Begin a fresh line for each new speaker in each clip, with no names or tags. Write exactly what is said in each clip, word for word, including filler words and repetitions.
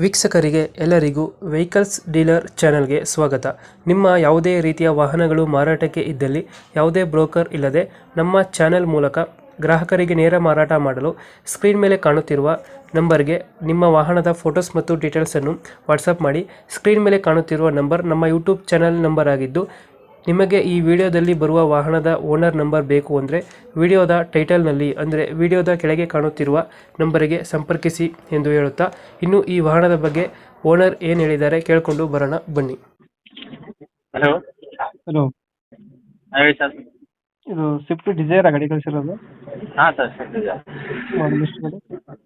ವೀಕ್ಷಕರಿಗೆ ಎಲ್ಲರಿಗೂ vehicles dealer ಚಾನೆಲ್ಗೆ ಸ್ವಾಗತ. ನಿಮ್ಮ ಯಾವುದೇ ರೀತಿಯ ವಾಹನಗಳು ಮಾರಾಟಕ್ಕೆ ಇದ್ದಲ್ಲಿ ಯಾವುದೇ ಬ್ರೋಕರ್ ಇಲ್ಲದೆ ನಮ್ಮ ಚಾನೆಲ್ ಮೂಲಕ ಗ್ರಾಹಕರಿಗೆ ನೇರ ಮಾರಾಟ ಮಾಡಲು ಸ್ಕ್ರೀನ್ ಮೇಲೆ ಕಾಣುತ್ತಿರುವ ನಂಬರ್ಗೆ ನಿಮ್ಮ ವಾಹನದ ಫೋಟೋಸ್ ಮತ್ತು ಡೀಟೇಲ್ಸನ್ನು ವಾಟ್ಸಪ್ ಮಾಡಿ. ಸ್ಕ್ರೀನ್ ಮೇಲೆ ಕಾಣುತ್ತಿರುವ ನಂಬರ್ ನಮ್ಮ ಯೂಟ್ಯೂಬ್ ಚಾನೆಲ್ ನಂಬರ್ ಆಗಿದ್ದು, ನಿಮಗೆ ಈ ವಿಡಿಯೋದಲ್ಲಿ ಬರುವ ವಾಹನದ ಓನರ್ ನಂಬರ್ ಬೇಕು ಅಂದರೆ ವಿಡಿಯೋದ ಟೈಟಲ್ನಲ್ಲಿ ಅಂದರೆ ವಿಡಿಯೋದ ಕೆಳಗೆ ಕಾಣುತ್ತಿರುವ ನಂಬರಿಗೆ ಸಂಪರ್ಕಿಸಿ ಎಂದು ಹೇಳುತ್ತಾ, ಇನ್ನು ಈ ವಾಹನದ ಬಗ್ಗೆ ಓನರ್ ಏನು ಹೇಳಿದ್ದಾರೆ ಕೇಳಿಕೊಂಡು ಬರೋಣ ಬನ್ನಿ.
ಹಲೋ
ಹಲೋ,
ಹೇಳಿ ಸರ್.
ಇದು ಸ್ವಿಫ್ಟ್ ಡಿಸೈರ್ ಗಾಡಿ ಕಳಿಸಿರೋದು?
ಹಾಂ ಸರ್, ಸಿಗ್ತಿದೆ.
ಮಾಡಲ್ ಎಷ್ಟು ಗಾಡಿ?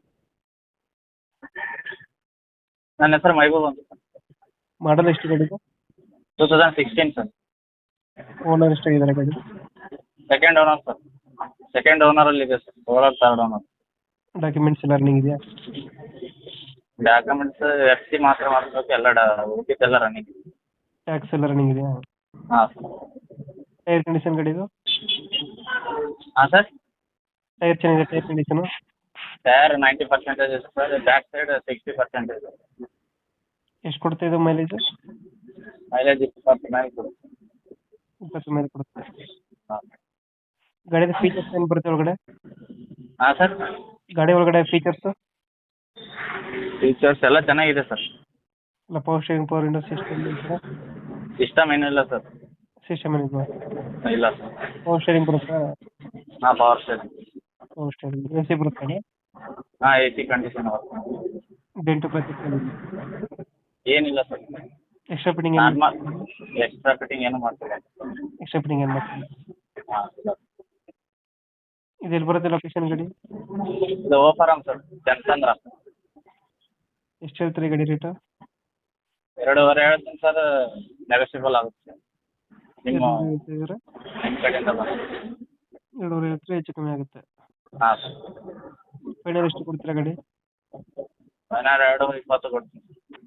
ನನ್ನ ಹೆಸರು ಮೈಬೂಬ್ ಅಂತ ಸರ್.
ಮಾಡಲ್ ಎಷ್ಟು ಗಾಡಿದು?
Two thousand sixteen sir.
Owner ಎಷ್ಟಾಗಿದ್ದಾರೆ ಗಾಡಿ?
Second owner sir. ಸೆಕೆಂಡ್ ಓನರಲ್ಲಿ ಇದೆ sir, owner third owner.
Documents ಎಲ್ಲ ರನ್ನಿಂಗ್ ಇದೆಯಾ?
ಡಾಕ್ಯುಮೆಂಟ್ಸ್ ಎಫ್ ಸಿ ಮಾತ್ರ ಮಾಡಿಸ್ಬೇಕು, ಎಲ್ಲ ಡಾ ಉಳಿದಿದ್ದೆಲ್ಲ ರನ್ನಿಂಗ್.
ಟ್ಯಾಕ್ಸ್ ಎಲ್ಲ ರನ್ನಿಂಗ್ ಇದೆಯಾ?
ಹಾಂ ಸರ್.
ಟೈರ್ ಕಂಡೀಷನ್ ಗಾಡಿದು?
ಹಾಂ ಸರ್.
ಟೈರ್ ಚೆನ್ನಾಗಿದೆ, tyre condition?
Tyre ninety percentage ಇದೆ sir, back side sixty percentage.
ಎಷ್ಟು ಕೊಡ್ತಾ ಇದು ಮೈಲೇಜ್?
ಮೈಲೇಜ್ ಇಪ್ಪತ್ತು ಮೇಲೆ ಕೊಡುತ್ತೆ.
ಇಪ್ಪತ್ತು ಮೇಲೆ ಕೊಡುತ್ತೆ.
ಹಾಂ
ಗಾಡಿದ ಫೀಚರ್ಸ್ ಏನು ಬರುತ್ತೆ ಒಳಗಡೆ?
ಹಾಂ ಸರ್.
ಗಾಡಿ ಒಳಗಡೆ ಫೀಚರ್ಸ್
ಫೀಚರ್ಸ್ ಎಲ್ಲ ಚೆನ್ನಾಗಿದೆ ಸರ್.
ಇಲ್ಲ, power steering, power window system,
system ಏನಿಲ್ಲ ಸರ್.
ಸಿಸ್ಟಮ್ ಏನಿದೆ?
ಇಲ್ಲ ಸರ್.
ಪವರ್ ಸ್ಟೇರಿಂಗ್ ಬರುತ್ತಾ?
ಹಾಂ, power steering.
Power steering, A C ಬರುತ್ತೆ?
ಹಾಂ, ಎ ಸಿ ಕಂಡೀಷನ್ ಬರುತ್ತೆ.
ಡೆಂಟು ಪ್ರತಿ
ಏನಿಲ್ಲ ಸರ್.
ಎಕ್ಸ್ಟ್ರಾ ಫಿಟ್ಟಿಂಗ್ ಏನು?
ನಾರ್ಮಲ್ ಎಕ್ಸ್ಟ್ರಾ ಫಿಟ್ಟಿಂಗ್ ಏನು ಮಾಡ್ತಿಲ್ಲ.
ಎಕ್ಸ್ಟ್ರಾ ಫಿಟ್ಟಿಂಗ್ ಏನು ಮಾಡ್ತೀವಿ?
ಹಾಂ ಸರ್.
ಇದು ಎಲ್ಲಿ ಬರುತ್ತೆ ಲೊಕೇಶನ್ ಗಾಡಿ?
ಇದು ಓಪರಂ ಸರ್, ಜನಸಂದ್ರ.
ಎಷ್ಟು ಹೇಳ್ತೀರಿ ಗಾಡಿ ರೇಟು?
ಎರಡೂವರೆ ಹೇಳ್ತೀನಿ ಸರ್, ನೆಗೋಷಿಯಬಲ್ ಆಗುತ್ತೆ ನಿಮ್ಮ
ಹೇಳ್ತಿದ್ದೀರಾ?
ನಿಮ್ಮ ಕಡೆಯಿಂದ ಬಂದು.
ಎರಡೂವರೆ ಹೇಳ್ತೀರಿ, ಹೆಚ್ಚು ಕಮ್ಮಿ ಆಗುತ್ತೆ.
ಹಾಂ ಸರ್.
ಫೈನಲ್ ಎಷ್ಟು ಕೊಡ್ತೀರಾ ಗಾಡಿ?
ನಾನು ಎರಡು ಇಪ್ಪತ್ತು ಕೊಡ್ತೀನಿ.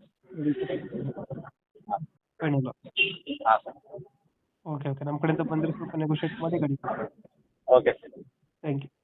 ಫೈನಲ್?
ಹಾಂ ಸರ್.
ಓಕೆ ಓಕೆ, ನಮ್ಮ ಕಡೆಯಿಂದ ಬಂದರೆ ಸ್ವಲ್ಪ ನೆಗೋಷಿಯೇಟ್ ಮಾಡಿ ಗಾಡಿ.
Okay sir.
Thank you.